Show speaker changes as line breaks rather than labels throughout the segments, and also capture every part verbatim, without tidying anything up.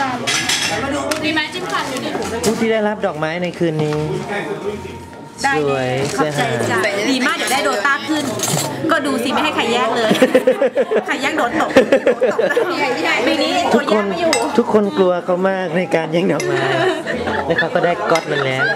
มีไม้จิ้มฟันอยู่ดิ
ผู้ที่ได้รับดอกไม้ในคืนนี้สวยเสื้อหา
ดีมากเดี๋ยวได้โดต้าขึ้นก็ดูสิไม่ให้ใครแยกเลยใครแยกโดนตกปีนี้ตัวแยกไม่อยู่
ทุกคนกลัวเขามากในการแย่งดอกไม้แล้วเขาก็ได้ก๊อตมันแล้ว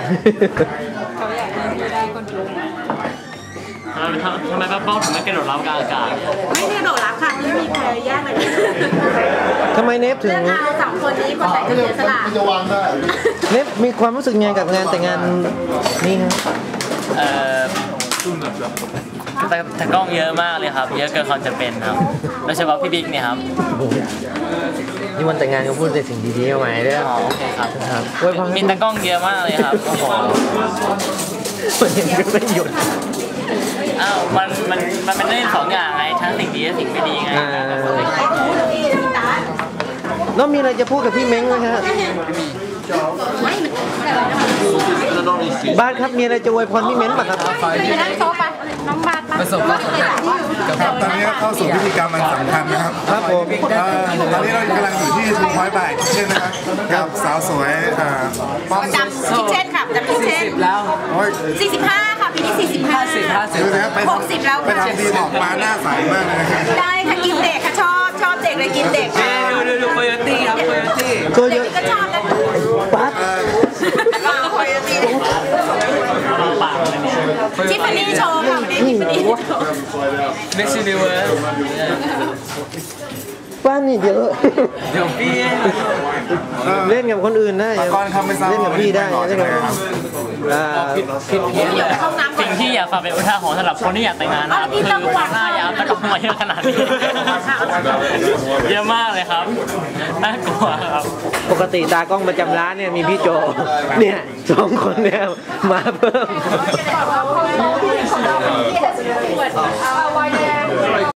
ทำไมป้าป้องถึงไม่กระโดดรับกลางอากาศ
ไม่ได้กระโดดรับค่ะไม่มีใครแยกเลย
ทำไมเนฟถึง
เลือกเอาสองคนนี้คนไหนจะเสียสละ
เนฟมีความรู้สึกไงกับงานแต่งงานนี่ครับ
เอ่อแต่แต่กล้องเยอะมากเลยครับเยอะเกินความจำเป็นครับโดยเฉพาะพี่บิ๊กเนี่ยครับ
นี่วันแต่งงานก็พูดแต่สิ่งดีๆเอาไว้ด้วย
อ๋อโอเคครับ
ครับ
มีแต่กล้องเยอะมากเลยครับโอ้โห
มันยังไม่หยุด
อ้าวมันมันมันเป็นเรื่องสองอย่างไงทั้งสิ่งดีและสิ่งไม่ดีไง
แล้วมีอะไรจะพูดกับพี่เม้งไหมฮะบ้านครับมีอะไรจะอวยพรพี่เม้งป่ะครับ
ไปนั่งโต๊ะไปน้องบาท
ประสบความสำเร็จครับตอนนี้เข้าสู่พิธีกรรมอันสำคัญนะครับ
ครับผม
ตอนนี้เรากำลังอยู่ที่ทูพอยต์บ่ายเช่นนะครับกับสาวสวย
ป้อมจำคิเช่นค่ะจำคิเช่น
แล้ว
สี่สิบห้าค่ะปีนี้สี่สิบห้าสิบห้าสิบหกสิบแล้ว
ไปทำดีออกมาหน้าใสมากเลย
ได้ค่ะกินเด็กค่ะชอบชอบเด็กเลยกินเด็ก
ดูดูดูโคโยตี้ครับโคโยตี้
โคโย
ตี้ก็ชอบนะ
ปั๊บ
โคโยตี้ทิฟฟานี่โชว์ค่ะวันนี้ทิฟฟานี่โชว์
เม็กซิลิเวอร์
ป้านนี่เดี๋ยว
เดี๋ยวพี่
เล่นกับคนอื่นได้เล่นกับพี่ได้เล่นกับ
ผิดผิดเพี้ยนเลยสิ่งที่อยากฝากเป็นอุทาหรณ์สำหรับคนที่อยากแต่งงานนะครับคือหน้ายาวแต่ก็มาเยอะขนาดนี้เยอะมากเลยครับน่ากลัวครับ
ปกติตากล้องประจำร้านเนี่ยมีพี่โจเนี่ยสองคนเนี่ยมาเพิ่ม